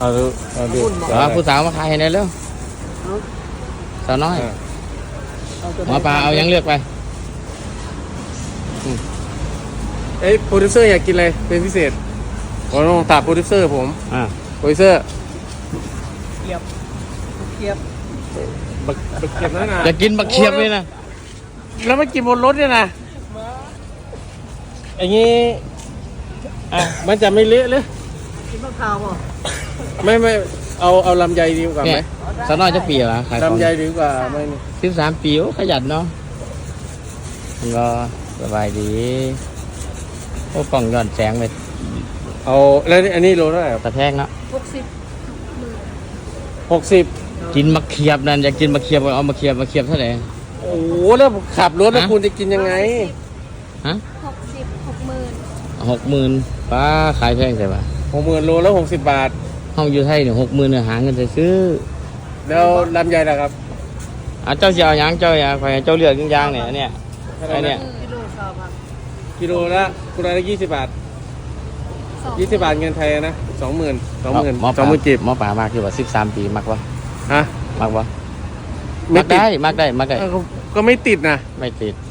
เอาดูผู้สาวมาขายให้ได้เร็วสาวน้อยหมอปลาเอายังเลือกไปโปรดิวเซอร์อยากกินอะไรเป็นพิเศษผมต้องถามโปรดิวเซอร์ผมโปรดิวเซอร์เกียบบักเกียบนั่นนะอยากกินบักเขียบเลยนะแล้วไม่กินบนรถเนี่ยนะอย่างนี้มันจะไม่เละเลยกินมะพร้าวป่ะไม่เอาลำไยดีกว่าไหมสาวน้อยจะปีเหรอขายของลำไยดีกว่าไม่ 13 ปีขยันเนาะก็สบายดีโอ้กล่องย้อนแสงไปเอาแล้วอันนี้โลเท่าไหร่ตะแพงเนาะ 60 กินมะเขียบนั่นอยากกินมะเขียบเอามะเขียบเท่าไหร่โอ้โหแล้วขับรถแล้วคุณจะกินยังไงฮะ60,000ป้าขายแพงใช่ปะ 60,000โลแล้ว60 บาทห้องอยู่ไทยเนี่ย60,000เนี่ยหาเงินจะซื้อแล้วลำไยล่ะครับเจ้าเสียวยังเจ้าอย่าคอยเจ้าเลือกยางเนี่ยไอเนี่ยกิโลละคุณละ20 บาท20 บาทเงินไทยนะ20,000จีบหมอป่ามากคือว่า13 ปีมักวะฮะมักวะมักได้ก็ไม่ติดนะไม่ติด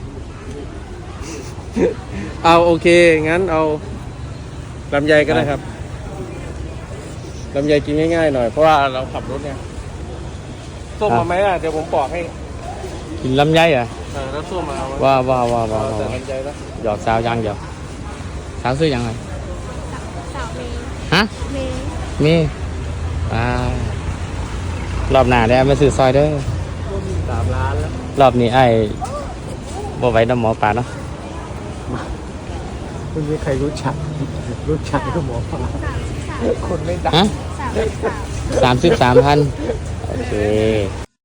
เอาโอเคงั้นเอาลำไยก็ได้ครับลำไยกินง่ายๆหน่อยเพราะว่าเราขับรถเนี่ยส้มมาไหมเดี๋ยวผมปอกให้กินลำไยเหรอแล้วส้มมาเอาว่าแต่ลำไยแล้วหยอกสาวยังหยอกสาวซื้อยังไงสาวฮะมีรอบหน้าได้มาซื้อซอยเด้อ 3 ล้านแล้วรอบนี้ไอ้บ่ไว้น้ำหมอปลาเนาะคุณมีใครรู้จักก็หมอปลาคนไม่ดังฮะ33,000โอเค